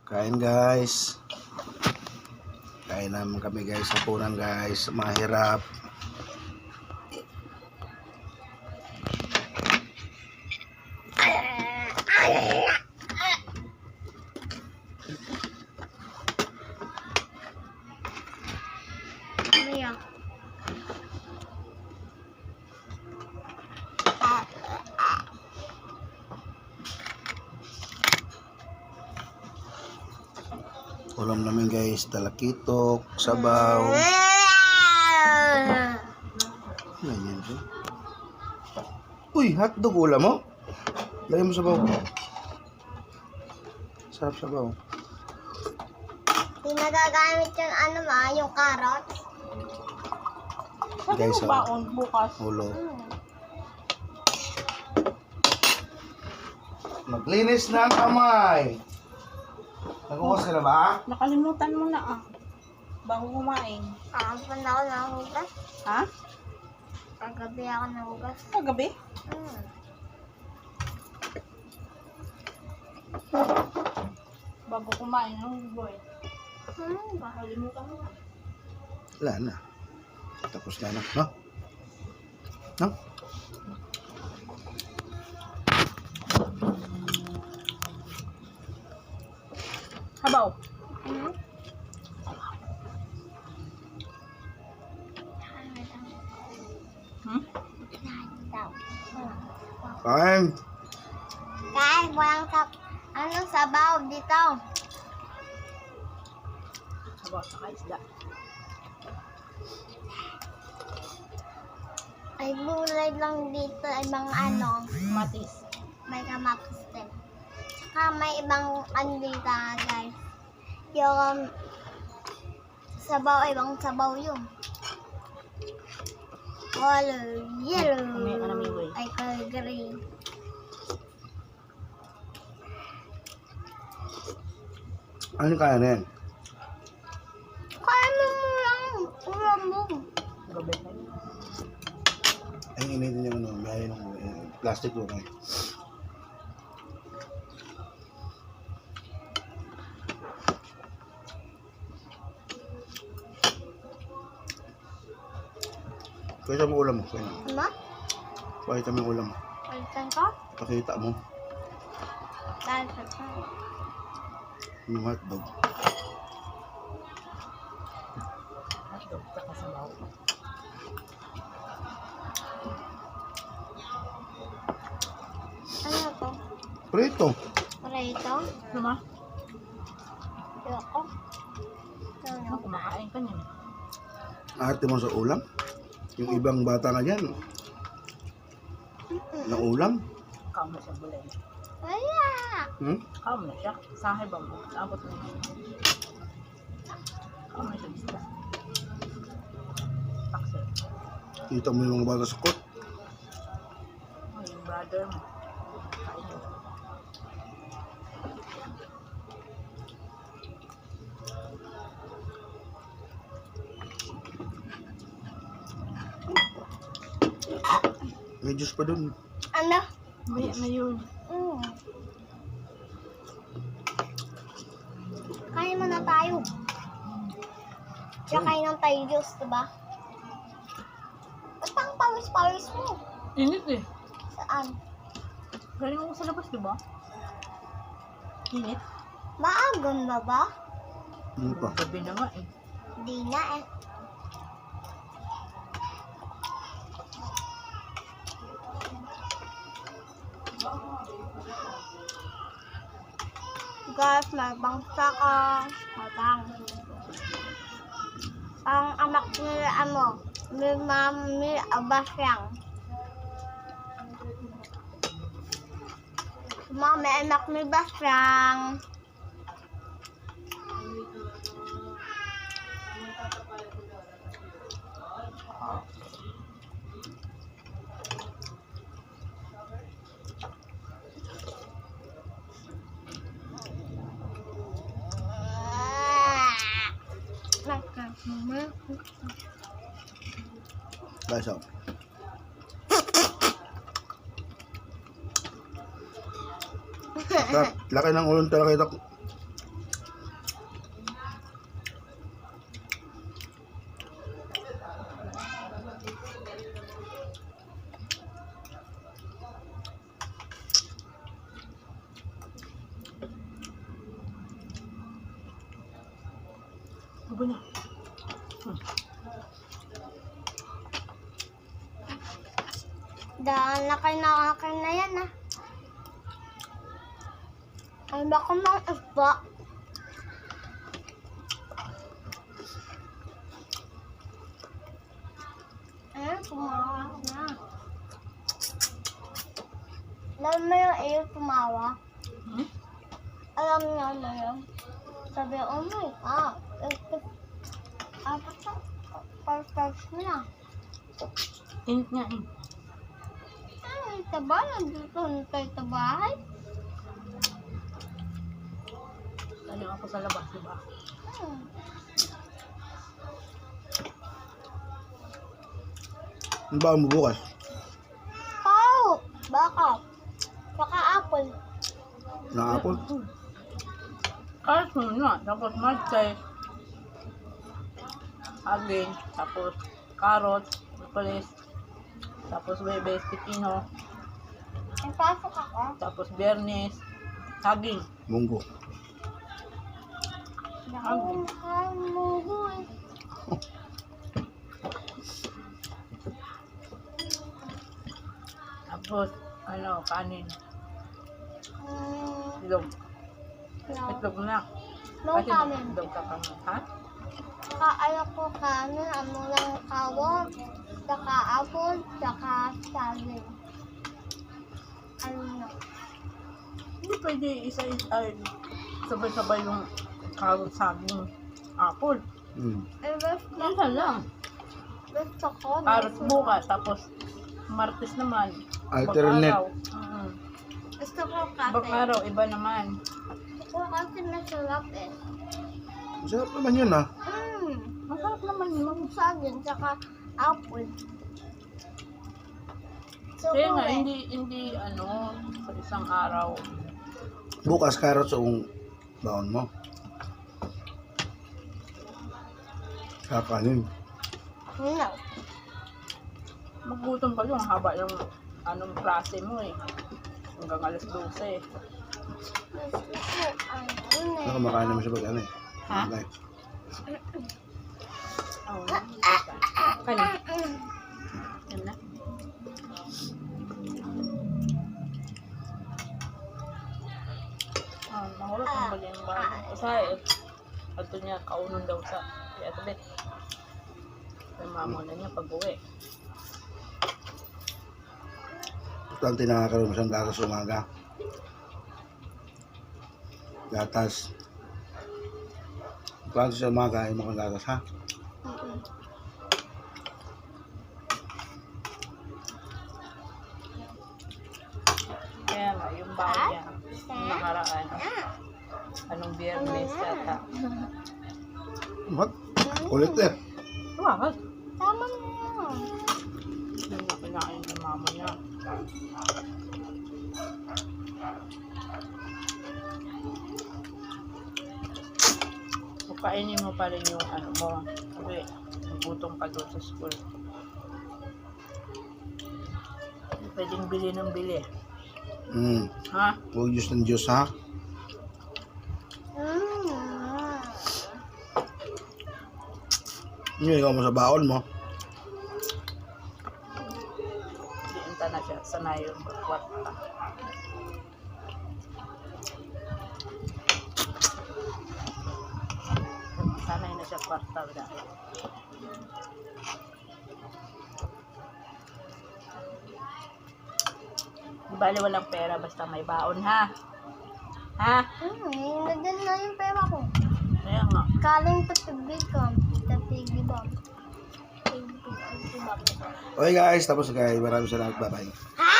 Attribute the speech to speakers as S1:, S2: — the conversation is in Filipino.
S1: Kain guys. Kain naman kami guys sa punan guys. Mahirap. Ulam namin guys, talakitok, sabaw. Ganyan siya. Uy, hotdog ulam mo? Lagyan mo sabaw. Sarap sabaw.
S2: Hindi nagagamit yung yung carrots.
S1: Guys,
S3: Sabi mo baon bukas?
S1: ulo. Maglinis ng kamay. Naghugas ka na ba?
S3: Nakalimutan mo na bago kumain.
S2: Saan ako nahugas?
S3: Ha?
S2: Kagabi ako nahugas.
S3: Kagabi? Bago kumain ng boy. Nakalimutan mo na.
S1: Wala na. Tapos na. No? No?
S3: Habaw.
S1: Kain.
S2: Kahit walang sabaw dito.
S3: Habaw sa isda.
S2: Ay gulay lang dito, ay mga
S3: Matis.
S2: may kamatis din. Saka may ibang dito guys. Yung sabaw, ibang sabaw yun. Color yellow. Ay color green.
S1: Ano kaya na yan?
S2: Kaya mo lang ulam mo.
S3: Gabi na yun.
S1: Ay, initin yung may plastic doon eh. Pakita mo ulam mo.
S2: Ano?
S1: Pakita mo yung ulam mo.
S2: Palitan ko?
S1: Pakita mo.
S2: Dahil sa
S1: Yung hotdog.
S3: Hotdog tsaka sabaw.
S2: ano to?
S1: Prito.
S2: Prito?
S3: Luma?
S2: Yoko?
S3: Kumakain ka niyan.
S1: Arte mo sa ulam. Yung ibang bata nga dyan. Na ulam.
S3: Kaon na siya bulay.
S2: Wala!
S3: Kaon na siya. Sahay ba mo? Abot na siya. Kaon na siya isda. Taxi.
S1: Kita mo yung mga bata sa kot.
S3: Ay, yung brother mo. Kain yun.
S1: May juice pa dun.
S2: Ano?
S3: May yun.
S2: Kain mo na tayo. Tsaka kain ng tayo juice, diba? Ba't pang pawis-pawis mo?
S3: Init eh.
S2: Saan?
S3: Galing ako sa labas, di ba? Init.
S2: Maagon ba ba?
S1: Hindi pa.
S3: Gabi na nga eh.
S2: Di na eh. Guys, may bangsa ka. Matang. Ang amak nila may mami abasyang. Mami anak ni basyang.
S1: Guys, oh. Laki ng ulong talaga ito.
S3: Gubo na.
S2: Daan na kayo nakakain na yan ah. Ay baka mang isda. Tumawa na. Alam mo yung iyo tumawa?
S3: Hmm?
S2: Alam niyo mo yun? Sabi, oh my God. Apat na. First mo na.
S3: Init nga eh.
S2: Ay, taba. Nandito na tayo sa bahay.
S3: Taling ako sa labas, diba?
S2: Hmm.
S1: Ano ba mo bukas?
S2: Pao! Baka. Baka apple.
S1: Na apple?
S3: Carrots muna, tapos marchay, aging, tapos carrots, police, tapos bebes, pipino,
S2: Ay, pasok ako.
S3: tapos biyernes, saging.
S1: Munggo.
S2: Ako munggo eh.
S3: Tapos, kanin,
S2: Hmm,
S3: itlog,
S2: no.
S3: itlog na.
S2: No
S3: Kasi
S2: kanin.
S3: itlog ka kami, ha?
S2: Kaaya ko kanin, ano lang kawon, saka apple, saka saging. Ano na?
S3: Hindi pwede sabay-sabay yung carrot, saging, apple.
S2: Eh,
S3: Isa lang.
S2: gusto ko.
S3: Carrot bukas, tapos martes naman.
S1: Alternate.
S3: Bang-araw.
S2: Gusto ko kasi.
S3: Bang-araw, iba naman.
S2: Gusto ko kasi masarap eh.
S1: Masarap naman yun ah.
S3: Masarap naman yun.
S2: Yung saging, saka apple. So,
S3: Kaya nga,
S2: eh.
S3: hindi sa isang araw.
S1: Bukas carrots yung baon mo. Kakanin.
S2: No.
S3: Magutom pa yung haba yung klase mo eh. Hanggang alas 12.
S2: Gusto ko, ano eh.
S1: Nakamakain naman siya pag ano eh.
S3: Ha?
S1: Like,
S3: Oo. Kanin. Yan na. Mahulog ang bagay ng bahay. Isa eh. Ato niya, kaunon daw sa kaya tabit. May mamuna niya pag-uwi.
S1: importante nakakaroon mo siyang gatas umaga. Gatas. Importante sa umaga ay mga gatas ha.
S3: Kaya nga, yung bahay niya, yung nakaraan, anong biyernes yata.
S1: What? Kulit eh.
S3: Wag.
S2: Tama na yan.
S3: Hindi na kinain ng mama niya. Kainin mo pa rin yung mo. Kasi nagutom ka doon sa school. Hindi pwedeng bili ng bili. Ha?
S1: Huwag Diyos ng Diyos ha. Yun, ikaw mo sa baon mo.
S3: Diinta na siya. Sanay yung kwarta. Sanay na siya kwarta dahil. Di bali walang pera basta may baon ha. Ha?
S2: Nandun na yung pera ko.
S3: Kaya nga.
S2: Kaling tatibig ko. Tatibig ba?
S1: Okay guys, tapos guys. Maraming salamat. Bye-bye.
S2: Ha?